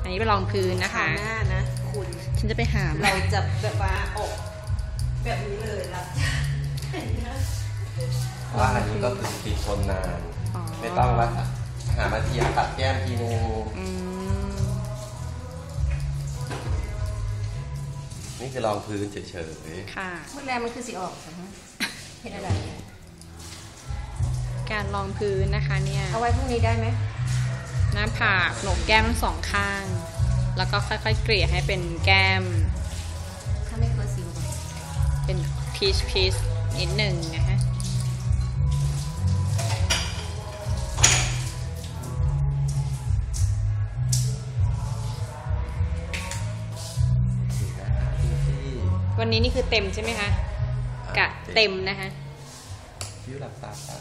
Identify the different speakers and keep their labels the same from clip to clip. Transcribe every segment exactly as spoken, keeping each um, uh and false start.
Speaker 1: อันนี้ไปลองพื้นนะคะ
Speaker 2: หน้านะคุณ
Speaker 1: ฉันจะไปหา
Speaker 2: เราจะแบบว่าออกแบบนี้เลยละ
Speaker 3: ว่าอันนี้ก็คือติดทนนานไม่ต้องว่าหามาทีปัดแก้มทีนึงนี่คือรองพื้นเฉยๆ
Speaker 1: ค่ะ
Speaker 2: เมื่อแรกมันคือสีออกเห็นอะไร
Speaker 1: การรองพื้นนะคะเนี่ย
Speaker 2: เอาไว้พรุ่งนี้ได้ไหม
Speaker 1: หน้าผากโหนกแก้มทั้งสองข้างแล้วก็ค่อยๆเกลี่ยให้เป็นแก้ม
Speaker 2: ถ้าไม่เคยสิว
Speaker 1: เป็นพีชพีชนิดหนึ่งนะคะวันนี้นี่คือเต็มใช่ไหมคะกะเต็มนะคะ
Speaker 3: คิ้วหลับตาครับ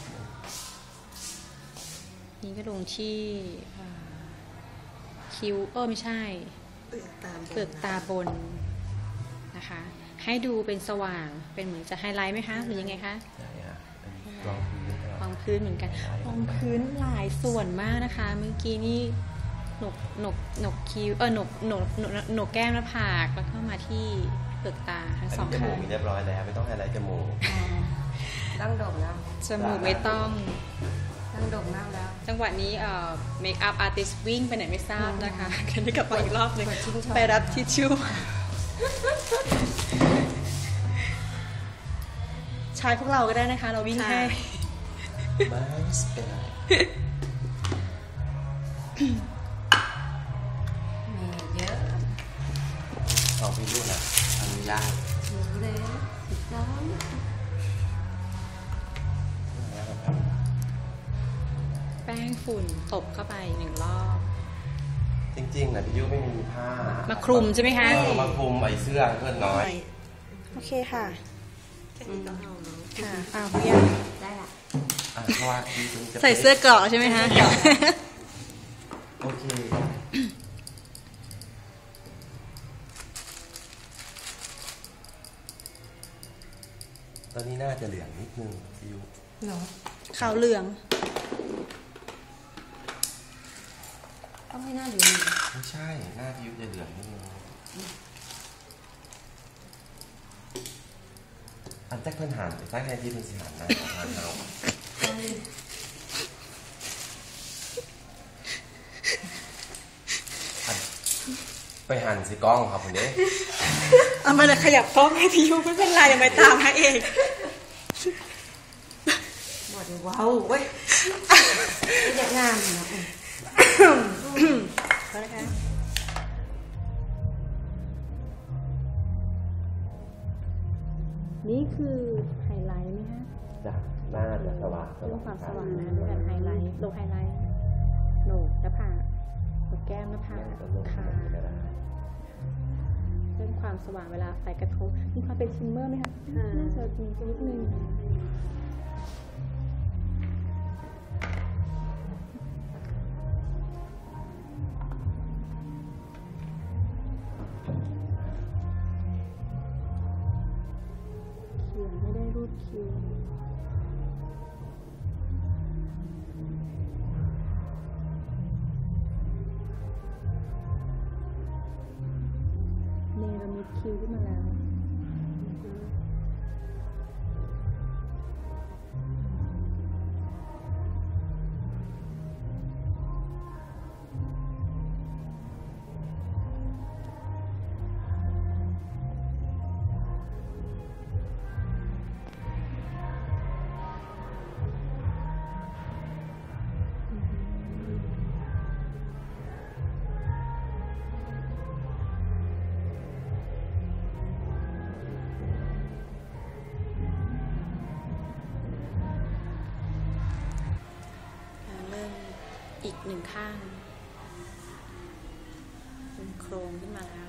Speaker 1: นี่ก็ลงที่คิ้วเออไม่ใช่
Speaker 2: เปลือกตา
Speaker 1: เปลือกตาบนนะคะให้ดูเป็นสว่างเป็นเหมือนจะไฮไลท์ไหมคะหรือยังไงคะ
Speaker 3: รองพื้น
Speaker 1: รองพื้นเหมือนกันรองพื้นหลายส่วนมากนะคะเมื่อกี้นี่หนกหนกหนกคิ้วเออหนกหนกหนกแก้มหน้าผากแล้วก็มาที่เปลือกตาทั้งสอง
Speaker 3: ข้างจมูกมีเรียบร้อยแล้วไม่ต้องไฮไลท์จมูก
Speaker 2: ตั้งดมแล้ว
Speaker 1: จมูกไม่ต้อง
Speaker 2: ตั้งดมมากแล้ว
Speaker 1: จังหวะนี้เอ่อเมคอัพอาร์ติสต์วิ่งไปไหนไม่ทราบนะคะกันได้กลับมาอีกรอบนึงไปรับทิชชู่ชายพวกเราก็ได้นะคะเราวิ่งให้
Speaker 3: ไม่เป็นไร
Speaker 2: เยอะ
Speaker 3: ลองไปดูนะอนุญาต
Speaker 2: เลยจ้า
Speaker 1: แป้งฝุ่นตบเข้าไปหนึ่งรอบ
Speaker 3: จริงๆนะพี่ยุไม่มีผ้า
Speaker 1: มาคลุมใช่ไหมคะ
Speaker 3: มาคลุมไอ้เสื้อเพื่อนน้อย
Speaker 1: โอเคค่ะค่ะอ้าวพี่
Speaker 2: ยังได้ละ
Speaker 3: เพราะว่า
Speaker 1: ใส่เสื้อเกราะใช่ไหมคะ
Speaker 3: โอเคตอนนี้น่าจะเหลืองนิดนึงพี่ยุ
Speaker 1: เนาะขาวเหลือง
Speaker 2: ต้องให้หน้าเหลือง
Speaker 3: ไม่ใช่หน้าพี่ยุจะเหลืองนิดนึงอันแจ็คเพื่อนหันแจ็คแค่ที่เป็นสีหันนะหันเอาไปหันสิกล้องครับคุณเด้
Speaker 1: เอามาเลยขยับกล้องให้พี่ยุไม่เป็นไรยังไม่ตามให้เอง
Speaker 2: หมดว้าวเว้ยเด็กงามนะเขาเลยค่ะ
Speaker 1: นี่คือไฮไลท์ไหมฮะ
Speaker 3: จ้ะหน้าจะสว่าง
Speaker 1: เรื่องความสว่างนะด้วยกันไฮไลท์ลงไฮไลท์โหนกหน้าผากโหนกแก้มหน้าผากขาเรื่องความสว่างเวลาไฟกระทบมีความเป็นชิมเมอร์ไหมคะน่าจะมีนิดนึงไม่ได้รูปคิ้วเนรมิตคิ้วขึ้นมาแล้วอีกหนึ่งข้างเป็นโครงขึ้นมาแล้ว